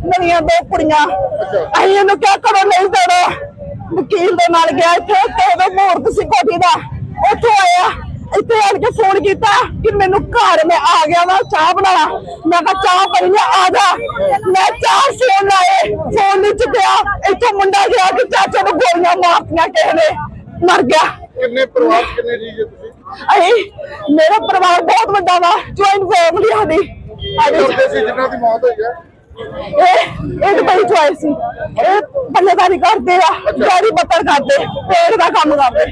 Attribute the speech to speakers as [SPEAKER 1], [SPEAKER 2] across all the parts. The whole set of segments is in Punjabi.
[SPEAKER 1] मेरिया दो कुड़ियां अं क्या करो नहीं देना वकील दे नाल गया इतने मुहूर्त सी कोठी का उतो आया इतने आन के फोन किया कि मैनू घर में आ गया वा चाह बना मैं चाह पी आ जा मैं 4 फोन लाए फोन नहीं चुकया इतो मुंडा गया कि चाचा ने गोलियां मारतियां किसी ने मर गया। मेरा परिवार बहुत बड़ा वा ज्वाइंट फैमिली बड़ी चॉइस सी बल्लेदारी करते गाड़ी बत्तर करते पेड़ का काम करते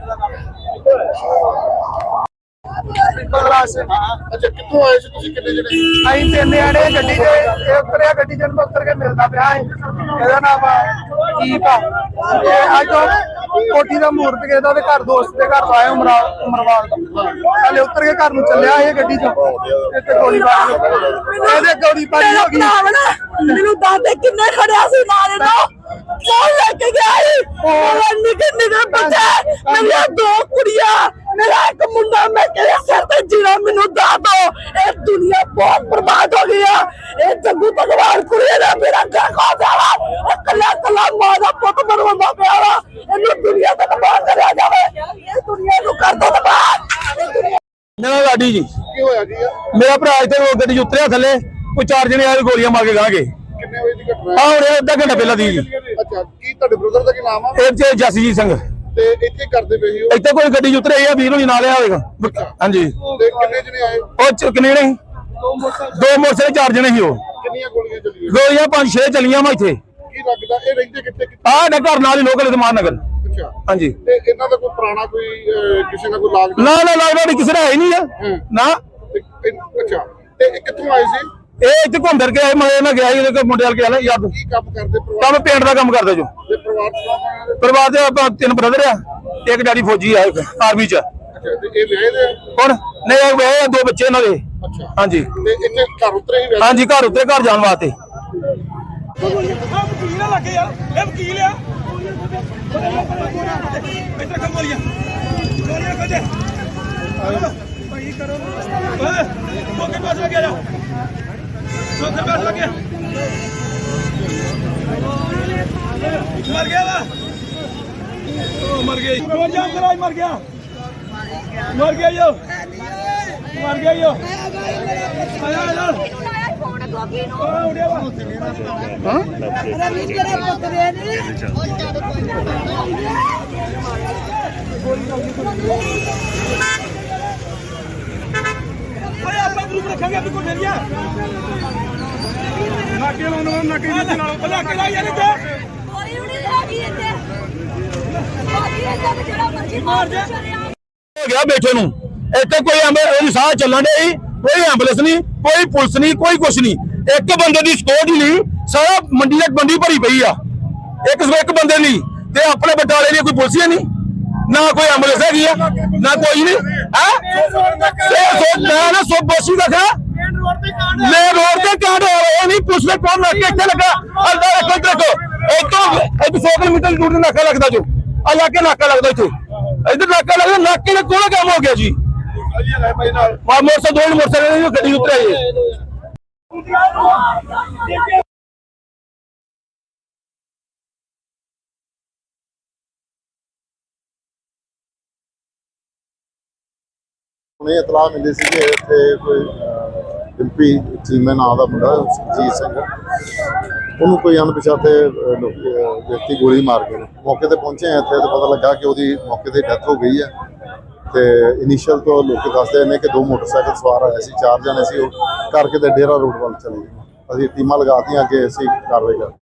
[SPEAKER 2] अच्छा कितों आए सी तुसीं किन्ने जने
[SPEAKER 3] ਅਸੀਂ 3 ਜਣੇ ਗੱਡੀ 'ਚ ਉਤਰਿਆ ਗੱਡੀ 'ਚ ਉਤਰ ਕੇ ਮਿਲਦਾ ਪਿਆ ਇਹਦਾ ਨਾਮ ਦੀਪ ਆ ਇਹ ਅੱਜ ਕੋਠੀ ਦਾ ਮੂਰਤ ਕਿਹਦਾ ਤੇ ਘਰ ਦੋਸਤ ਦੇ ਘਰ ਆਇਆ ਉਮਰਵਾਲ ਦਾ ਹਲੇ ਉਤਰ ਕੇ ਘਰ ਨੂੰ ਚੱਲਿਆ ਇਹ ਗੱਡੀ 'ਚ ਇੱਥੇ ਗੋਲੀਬਾਰੀ ਇਹਦੇ ਗੋਲੀਬਾਰੀ ਹੋ ਗਈ
[SPEAKER 1] ਮੈਨੂੰ ਦਾਦੇ ਕਿੰਨੇ ਖੜਿਆ ਸੀ ਨਾਲ ਇਹਦਾ ਕੌਣ ਲੈ ਕੇ ਗਿਆ ਉਹ ਨਿੱਕੇ ਨਿੱਕੇ ਬੱਚੇ ਮੇਰੀਆਂ 2 ਕੁੜੀਆਂ मेरा एक मुंडा मैं कहया सर ते जीना मेनू दा दो ये दुनिया बहुत बर्बाद हो गई है ये जग्गू भगवान कुड़िया ने मेरा घर खा जावा और कल्ला कल्ला मां दा पुत बनवांदा पिया वा इन्नू दुनिया ते तबाह करया जावे ये दुनिया नु कर दो तबाह।
[SPEAKER 4] मेरा लाडी जी
[SPEAKER 2] की होया जी
[SPEAKER 4] मेरा भरा इत्थे गड्डी च उतरिया थल्ले कोई 4 जने आए गोलियां मार के गांगे
[SPEAKER 2] किन्ने बजे दी घटना
[SPEAKER 4] आ हुणे अद्धा घंटा पहला दी जी।
[SPEAKER 2] अच्छा की ਤੁਹਾਡੇ ब्रदर ਦਾ ਕੀ ਨਾਮ ਆ
[SPEAKER 4] ਇਹ ਚ ਜਸਜੀਤ ਸਿੰਘ
[SPEAKER 2] ਤੇ ਇੱਥੇ ਕਰਦੇ ਪਏ ਸੀ ਉਹ
[SPEAKER 4] ਇੱਥੇ ਕੋਈ ਗੱਡੀ ਚ ਉਤਰੇ ਆ ਵੀਰ ਨੂੰ ਨਾਲ ਆ ਹੋਵੇਗਾ ਹਾਂਜੀ
[SPEAKER 2] ਤੇ ਕਿੰਨੇ ਜਣੇ ਆਏ
[SPEAKER 4] ਉਹ ਚ ਕਿੰਨੇ ਨੇ 2 ਮੋਟਰਸਾਈਕਲ 4 ਜਣੇ ਸੀ ਉਹ
[SPEAKER 2] ਕਿੰਨੀਆਂ ਗੋਲੀਆਂ ਚੱਲੀਆਂ
[SPEAKER 4] ਗੋਲੀਆਂ 5-6 ਚੱਲੀਆਂ ਵਾ ਇੱਥੇ
[SPEAKER 2] ਕੀ ਲੱਗਦਾ ਇਹ ਰਹਿੰਦੇ ਕਿੱਥੇ
[SPEAKER 4] ਆਹ ਨਾ ਘਰ ਨਾਲ ਹੀ ਲੋਕਲ ਇਤਮਾਨ ਨਗਰ
[SPEAKER 2] ਅੱਛਾ
[SPEAKER 4] ਹਾਂਜੀ
[SPEAKER 2] ਤੇ ਇਹਨਾਂ ਦਾ ਕੋਈ ਪੁਰਾਣਾ ਕੋਈ ਕਿਸੇ ਨਾਲ ਕੋਈ ਲਾਗ
[SPEAKER 4] ਨਾ ਲੱਗਦਾ ਨਹੀਂ ਕਿਸੇ ਦਾ ਹੈ ਨਹੀਂ ਆ ਨਾ
[SPEAKER 2] ਅੱਛਾ ਤੇ ਇਹ ਕਿੱਥੋਂ ਆਏ ਸੀ
[SPEAKER 4] ਇਹ ਇੱਥੇ ਘੁੰਮ ਫਿਰ ਕੇ ਆਏ ਮੈਂ ਨਾ ਗਿਆ ਇਹਦੇ ਮੁੰਡੇ ਵਾਲ ਕੇ ਆਲਾ ਯਾਦ
[SPEAKER 2] ਕੀ ਕੰਮ ਕਰਦੇ ਪਰਿਵਾਰ
[SPEAKER 4] ਕੰਮ ਪੇਂਟ ਦਾ ਕੰਮ ਕਰਦਾ ਜੋ
[SPEAKER 2] ਦੇ ਪਰਿਵਾਰ ਚ ਕੌਣ ਕੌਣ ਹੈ?
[SPEAKER 4] ਪਰਿਵਾਰ ਦੇ ਆਪਾਂ 3 ਬ੍ਰਦਰ ਆ ਇੱਕ ਡੈਡੀ ਫੌਜੀ ਆ ਆਰਮੀ ਚ
[SPEAKER 2] ਅੱਛਾ ਤੇ ਇਹ ਵਿਆਹੇ ਦੇ
[SPEAKER 4] ਹੁਣ ਨਹੀਂ ਇਹ 2 ਬੱਚੇ ਇਹਨਾਂ ਦੇ
[SPEAKER 2] ਅੱਛਾ
[SPEAKER 4] ਹਾਂਜੀ
[SPEAKER 2] ਤੇ ਇੱਥੇ ਘਰ ਉਤਰੇ ਹੀ ਵੈਸੇ
[SPEAKER 4] ਹਾਂਜੀ ਘਰ ਉੱਤੇ ਘਰ ਜਾਣ ਵਾਸਤੇ
[SPEAKER 5] ਵਕੀਲ ਨਾ ਲੱਗੇ ਯਾਰ ਇਹ ਵਕੀਲ ਆ ਇੱਥੇ ਕੰਮ ਵਾਲੀਆਂ ਗੋਲੀਆਂ ਕੱਢੇ ਭਾਈ ਕਰੋ ਓਏ ਕੋਕੇ ਪਾਸ ਲੱਗਿਆ ਜਾ ਕੋਕੇ ਪਾਸ ਲੱਗਿਆ ਮਰ ਗਿਆ ਵਾ ਉਹ ਮਰ ਗਿਆ ਰੋਡ ਜਾਮ ਕਰਾਈ ਮਰ ਗਿਆ ਯੋ ਮਰ ਗਿਆ ਯੋ ਆਇਆ ਆਪਾਂ ਗਰੁੱਪ ਰੱਖਾਂਗੇ ਆਪਣੀ ਕੋਈ ਫੇਰੀਆ ਨਾਕੇ ਲਾਉਣਾ ਨਾਕੇ ਦੇ ਨਾਲ ਨਾਕੇ ਲਾ ਯਾਰ ਇੱਥੇ
[SPEAKER 6] ਕੋਈ ਵੀ ਨਹੀਂ ਹੈਗੀ ਇੱਥੇ ਕੋਈ ਇੱਥੇ ਜਿਹੜਾ ਮਰਜ਼ੀ ਮਾਰ ਦੇ
[SPEAKER 4] ਹੋ ਗਿਆ ਬੈਠੇ ਨੂੰ ਇੱਥੇ ਕੋਈ ਉਹਦੀ ਸਾਹ ਚੱਲਣ ਦੇ ਕੋਈ ਐਂਬੂਲੈਂਸ ਨਹੀਂ ਕੋਈ ਪੁਲਿਸ ਨਹੀਂ ਕੋਈ ਕੁਛ ਨਹੀਂ ਇੱਕ ਬੰਦੇ ਦੀ ਸਕਿਉਰਟੀ ਨਹੀਂ ਸਾਰਾ ਮੰਡੀ ਭਰੀ ਪਈ ਆ ਇੱਕ ਬੰਦੇ ਲਈ ਤੇ ਆਪਣੇ ਬਟਾਲੇ ਲਈ ਕੋਈ ਪੁਲਿਸ ਹੀ ਨਹੀਂ ਨਾ ਕੋਈ ਐਂਬੂਲੈਂਸ ਹੈਗੀ ਆ ਨਾ ਕੋਈ ਨਹੀਂ ਹੈ ਨਾ ਸੋ ਬੋਸੀ ਦਾ ਖਾ ਮੇਨ ਰੋਡ ਤੇ ਕਾਂਡ ਹੋ ਰਿਹਾ ਨਹੀਂ ਪੁਲਿਸ ਨੇ ਕੌਣ ਲੱਗ ਕੇ ਇੱਥੇ ਲੱਗਾ ਅੱਲਾ ਰੱਖੋ ਇੱਥੋਂ 100 ਕਿਲੋਮੀਟਰ ਦੂਰ ਨਾਕਾ ਲੱਗਦਾ ਜੋ ਆ ਲਾਗੇ ਨਾਕਾ ਲੱਗਦਾ ਇੱਥੇ ਇੱਧਰ ਨਾਕਾ ਲੱਗਦਾ ਨਾਕੇ ਨੇ ਕੋਲ ਕੰਮ ਹੋ ਗਿਆ ਜੀ ਮੋਟਰਸਾਈਕਲ ਗੱਡੀ ਉਤਰਿਆ ਜੀ
[SPEAKER 2] ਉਹਨੇ ਇਤਲਾਹ ਮਿਲੀ ਸੀ ਕਿ ਇੱਥੇ ਕੋਈ ਡਿੰਪੀ ਚੀਮੇ ਨਾਂ ਦਾ ਮੁੰਡਾ ਸੁਖਜੀਤ ਸਿੰਘ ਉਹਨੂੰ ਕੋਈ ਅਣਪਛਾਤੇ ਵਿਅਕਤੀ ਗੋਲੀ ਮਾਰ ਗਏ ਮੌਕੇ ਤੇ ਪਹੁੰਚੇ ਇੱਥੇ ਤੇ ਪਤਾ ਲੱਗਾ ਕਿ ਉਹਦੀ ਮੌਕੇ ਤੇ ਡੈਥ ਹੋ ਗਈ ਹੈ ਤੇ ਇਨੀਸ਼ੀਅਲ ਤੋਂ ਲੋਕ ਦੱਸਦੇ ਨੇ ਕਿ 2 ਮੋਟਰਸਾਈਕਲ ਸਵਾਰ ਆਏ ਸੀ 4 ਜਣੇ ਸੀ ਉਹ ਕਰਕੇ ਤੇ ਡੇਰਾ ਰੋਡ ਵੱਲ ਚਲੇ ਗਏ ਅਸੀਂ ਟੀਮਾਂ ਲਗਾਤੀਆਂ ਕਿ ਅਸੀਂ ਕਾਰਵਾਈ ਕਰ